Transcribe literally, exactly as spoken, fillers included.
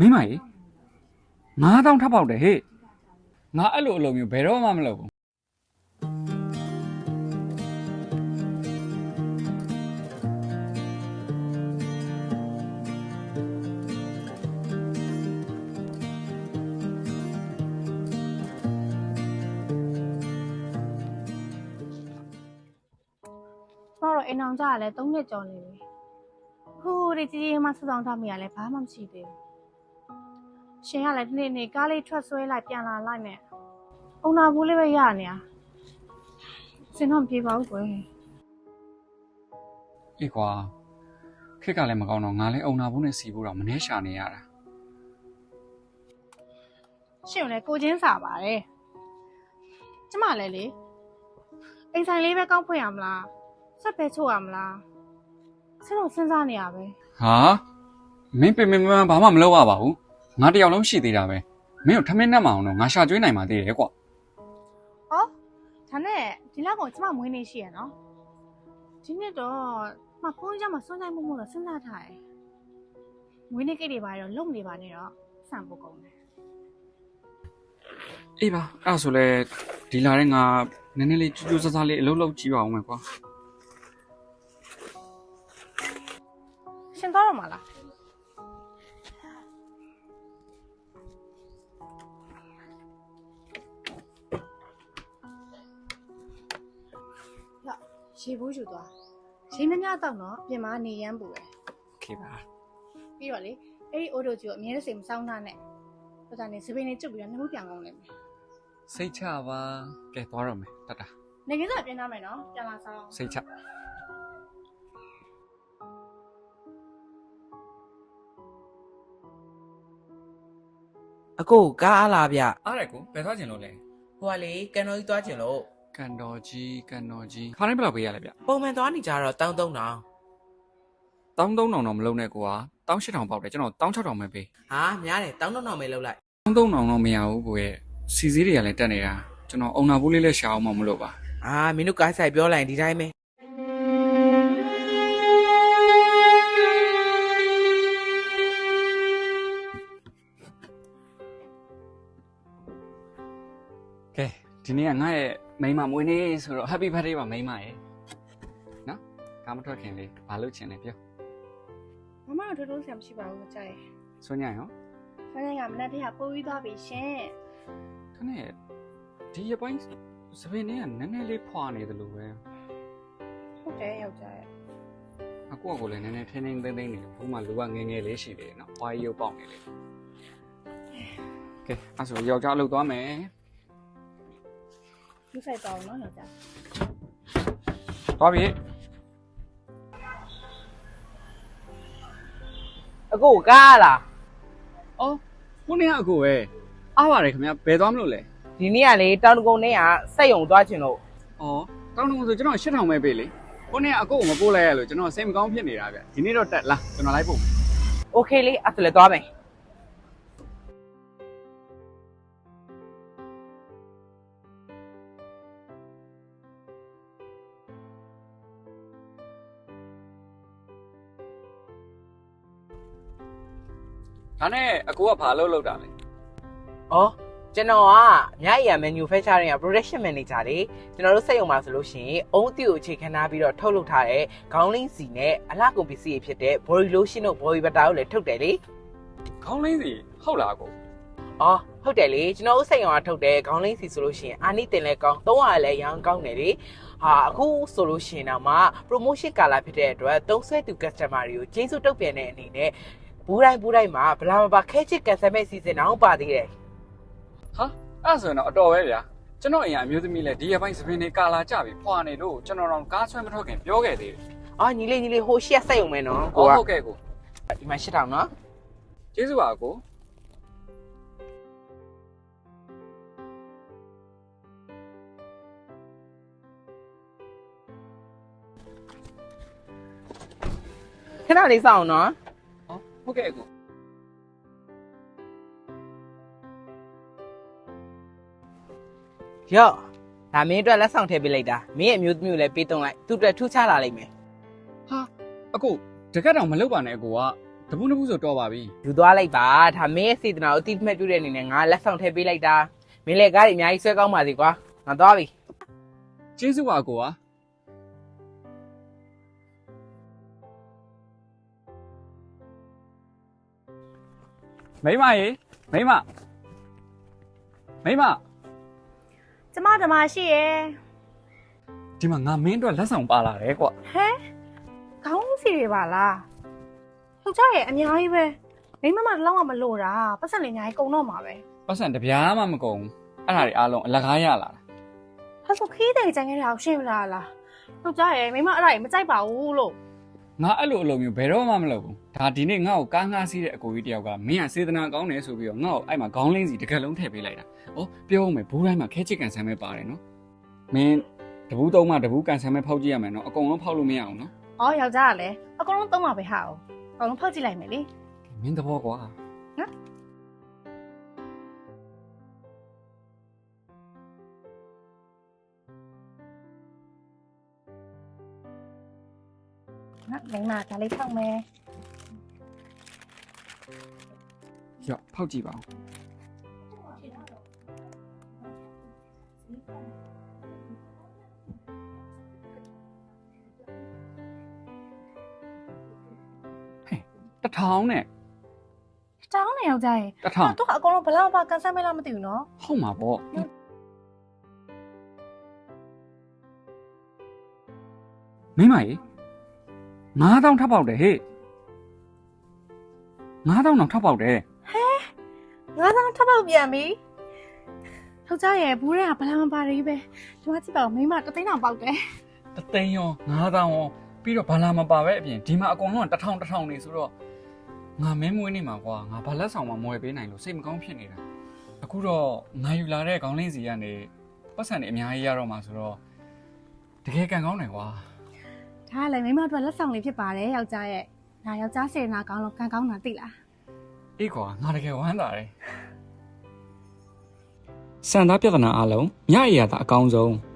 မိမကြီးငါးတောင်းထပ်ပေါက်တယ်ဟေ့ငါအဲ့လိုအလုပ်မျိုးဘယ်တော့မှမလုပ်ဘူးတော့အိမ်အောင်ကြရလဲသုံးနှစ်ကျော်နေပြီဟိုးဒီကြီးကြီးမှစဆောင်ထားမိရလဲဘာမှမရှိသေးဘူးရှင်ကလည်းဒီနေ့နေ့ကားလေးထွက်ဆွဲလိုက်ပြန်လာလိုက်နဲ့အုံနာဘူးလေးပဲရနေတာစင်တော့ပြေပါဘူးကွယ်အေးကွာခက်ကလည်းမကောင်းတော့ငါလည်းအုံနာဘူးနဲ့စီဖို့တော့မနှဲရှာနေရတာရှင်လည်းကိုချင်းစာပါတယ်ကျမလည်းလေအိမ်ဆိုင်လေးပဲကောက်ဖွင့်ရမလားဆက်ပဲချို့ရမလားဆက်တော့စဉ်းစားနေရပဲဟာမင်းပင်ပင်ပန်းဘာမှမလုပ်ရပါဘူးငါတယောက်လုံးရှိသေးတာပဲမင်းတို့ထမင်းနဲ့မအောင်တော့ငါရှာကျွေးနိုင်မှသေးတယ်ကွာဩဒါနဲ့ဒီလောက်ကောင်ကျမမွေးနေရှိရနော်ဒီနေ့တော့မဖုန်းကြမှာစွန့်ဆိုင်မှုမို့တော့စဉ်းစားထားတယ်မွေးနေ့ကိတ်တွေပါတော့လုံနေပါနဲ့တော့စံဖို့ကုန်တယ်အေးပါအဲ့ဆိုလဲဒီလာတဲ့ငါနည်းနည်းလေးကြိုးကြိုးစားစားလေးအလုပ်လုပ်ကြည့်ပါဦးမယ်ကွာရှင်သွားတော့မလားရေဘူးယူသွားရေမများတော့တော့ပြင်မနေရမ်းပူတယ်โอเคပါပြီးတော့လေအဲ့ဒီအိုးတို့ကြီးကိုအမြဲတစေမစောင်းထားနဲ့ဟိုကနေစပင်းလေးကျုပ်ပြီးတော့နှမှုပြန်ကောင်းလိမ့်မယ်စိတ်ချပါကဲသွားတော့မယ်တတ်တာနေကင်းစားပြင်ထားမယ်နော်ပြန်လာဆောင်စိတ်ချအကိုကားအားလားဗျအားရကိုဘယ်သွားကျင်လို့လဲဟိုကလေကန်တော်ကြီးသွားကျင်လို့ကန်တော်ကြီးကန်တော်ကြီးခါတိုင်းဘယ်လောက်ပေးရလဲဗျပုံမှန်သွားနေကြတော့တောင်းသုံးတောင်းတောင်းသုံးတောင်တော့မလုံးနဲ့ကွာတောင်းရှစ်ထောင်ပေါက်တယ်ကျွန်တော်တောင်းခြောက်ထောင်ပဲပေးဟာများတယ်တောင်းသုံးတောင်ပဲလောက်လိုက်တောင်းသုံးတောင်တော့မရဘူးကိုရဲ့စီစည်းတွေကလည်းတက်နေတာကျွန်တော်အုံနာဘူးလေးလည်းရှာအောင်မမလို့ပါအာမင်းတို့ကားဆိုင်ပြောလိုက်ဒီတိုင်းပဲကဲဒီနေ့ကငါ့ရဲ့မိန်းမမွေးနေ့ဆိုတော့ Happy Birthday ပါမိန်းမရဲ့နော်ကားမထွက်ခင်လေးဘာလုပ်ချင်လဲပြောမမတို့တို့ဆရာမရှိပါဘူးကြိုက်ဆွညရောဆွညကမနေ့တည်းကပိုးပြီးသွားပြီရှင်ခနဲ့ဒီရပိုင်းစပင်းလေးကနည်းနည်းလေးဖွာနေတယ်လို့ပဲဟုတ်တယ်ယောက်ျားရဲ့အကူကလည်းနည်းနည်းထင်းထင်းသိမ့်သိမ့်နေတယ်ဘူးမှလူကငယ်ငယ်လေးရှိတယ်နော်ဖွာရုပ်ပေါက်နေလေကဲအဲ့ဆိုယောက်ျားအလုပ်သွားမယ်လူဆိုင်တော့နော်ယောက်ျားသွားပြီအကိုကားလားအော်ခုနေ့ကအကိုပဲအားပါတယ်ခင်ဗျဘယ်သွားမလို့လဲဒီနေ့ကလေတောင်တကုံနဲ့ကစက်ယုံသွားချင်လို့အော်တောင်တကုံဆိုကျွန်တော်ရှစ်ထောင်ပဲပေးလေခုနေ့ကအကိုကိုမပို့လိုက်ရလို့ကျွန်တော်စိတ်မကောင်းဖြစ်နေတာဗျဒီနေ့တော့တက်လားကျွန်တော်လိုက်ပို့โอเคလေအဲ့ဒါလည်းသွားမယ်ဒါနဲ့အကိုကဘာလုပ်လုပ်တာလဲ။အော်ကျွန်တော်ကမြရည်ရ manufacturing က production manager လေကျွန်တော်တို့စက်ရုံမှာဆိုလို့ရှိရင်အုံးအသီးကိုအခြေခံထားပြီးတော့ထုတ်လုပ်ထားတဲ့ခေါင်းလင်းစီနဲ့အလှကုန်ပစ္စည်းတွေဖြစ်တဲ့ body lotion တို့ body butter တို့လည်းထုတ်တယ်လေ။ခေါင်းလင်းစီဟုတ်လားအကို။အော်ဟုတ်တယ်လေကျွန်တော်တို့စက်ရုံကထုတ်တဲ့ခေါင်းလင်းစီဆိုလို့ရှိရင်အာနိတင်လည်းကောင်းသုံးရလည်းရောင်းကောင်းတယ်လေ။ဟာအခုဆိုလို့ရှိရင်တော့မှ promotion ကာလဖြစ်တဲ့အတွက်သုံးဆွဲသူ customer တွေကိုကျေးဇူးတုတ်ပြန်တဲ့အနေနဲ့ဘူးတိုင်းဘူးတိုင်းမှာဘလာမပါခဲချစ်ကန်ဆယ်မဲ့စီစဉ်အောင်ပါသေးတယ်ဟာအဲ့ဆိုရင်တော့အတော်ပဲဗျာကျွန်တော်အရင်အမျိုးသမီးလဲဒီရပိုင်းစပင်းနေကာလာကြပြီဖွာနေလို့ကျွန်တော်တော့ကားဆွဲမထွက်ခင်ပြောခဲ့သေးတယ်အော်ညီလေးညီလေးဟိုရှက်ဆက်ရုံပဲနော်ကိုဟုတ်ကဲ့ကိုဒီမှာရှစ်ထောင်နော်ကျေးဇူးပါကိုခဏလေးစောင့်နော်ဟုတ်ကဲ့ကိုရော့ဒါမင်းအတွက်လက်ဆောင်ထည့်ပေးလိုက်တာမင်းရဲ့အမျိုးသမီးကိုလည်းပေးသွင်းလိုက်သူ့အတွက်ထူးခြားလာလိမ့်မယ်ဟာအကိုတကက်တော့မလုပ်ပါနဲ့အကိုကဒတပူးနှစ်ပူးဆိုတော့ပါပြီယူသွားလိုက်ပါဒါမင်းရဲ့စေတနာကိုအတိအမှတ်ပြုတဲ့အနေနဲ့ငါလက်ဆောင်ထည့်ပေးလိုက်တာမင်းလည်းကားကြီးအများကြီးဆွဲကောင်းပါစေကွာငါသွားပြီကျေးဇူးပါကိုကမိမရေမိမမိမကျမဓမ္မရှိရယ်ဒီမှာငါမင်းအတွက်လက်ဆောင်ပါလာတယ်ကွာဟဲခေါင်းစီတွေပါလားဟုတ်ကြရဲ့အများကြီးပဲမိမမလောက်မှမလို့တာပတ်စံလေးအများကြီးကုန်တော့မှာပဲပတ်စံတစ်ပြားမှမကုန်ဘူးအဲ့ဒါတွေအားလုံးအလကားရလာတာဟာဆိုခီးတဲ့ကြံခဲ့တာကိုရှင်းမလားလားဟုတ်ကြရဲ့မိမအဲ့ဒါကြီးမကြိုက်ပါဘူးလို့ငါအဲ့လိုအလိုမျိုးဘယ်တော့မှမလုပ်ဘူးဒါဒီနေ့ငါ့ကိုကားငှားစီးတဲ့အကိုကြီးတယောက်ကမင်းကစေတနာကောင်းတယ်ဆိုပြီးတော့ငါ့ကိုအဲ့မှာခေါင်းလင်းစီတစ်ကက်လုံးထည့်ပေးလိုက်တာဩပြောဦးမယ်ဘူးတိုင်းမှာခဲချစ်ကန်ဆန်းပဲပါတယ်နော်မင်းတဘူးသုံးမှတဘူးကန်ဆန်းပဲဖောက်ကြည့်ရမယ်နော်အကုန်လုံးဖောက်လို့မရအောင်နော်အော်ယောက်ျားကလည်းအကုန်လုံးသုံးပါပဲဟာအောင်အကုန်လုံးဖောက်ကြည့်လိုက်မယ်လေမင်းသဘောကွာနော်မိမဒါလေးထောက်မယ်ရော့ဖောက်ကြည့်ပါဦးဟဲ့တထောင်နဲ့တောင်းနေယောက်ျားရဲ့တထောင်တော့အကုန်လုံးဘလောက်မှကန်ဆယ်မဲလားမသိဘူးနော်ဟုတ်မှာပေါ့မိမကြီးငါးတောင်းထပ်ပေါက်တယ်ဟေ့ငါးတောင်းတော့ထပ်ပေါက်တယ်ငါးသောင်းထပ်ပေါက်ပြန်ပြီယောက်ျားရဲ့ဘူးတွေကဘလောက်မှပါရည်ပဲဒီမှာကြည့်ပါဦးမိမတသိန်းတောင်ပေါက်တယ်တသိန်းရောငါးတောင်းရောပြီးတော့ဘာလာမပါပဲအပြင်ဒီမှာအကုန်လုံးကတစ်ထောင်တစ်ထောင်နေဆိုတော့ငါမင်းမွေးနေမှာကွာငါဘာလက်ဆောင်မှမဝယ်ပေးနိုင်လို့စိတ်မကောင်းဖြစ်နေတာအခုတော့ငါယူလာတဲ့ခေါင်းလင်းစီကနေပတ်စံတွေအများကြီးရတော့မှာဆိုတော့တကယ်ကန်ကောင်းတယ်ကွာဒါကလည်းမိမတို့လက်ဆောင်လေးဖြစ်ပါတယ်ယောက်ျားရဲ့ဒါယောက်ျားစေနာကောင်းလို့ကန်ကောင်းတာသိလားအေးကွာငါတကယ်ဝမ်းသာတယ်စံသားပြဿနာအလုံးညအရာသာအကောင်းဆုံး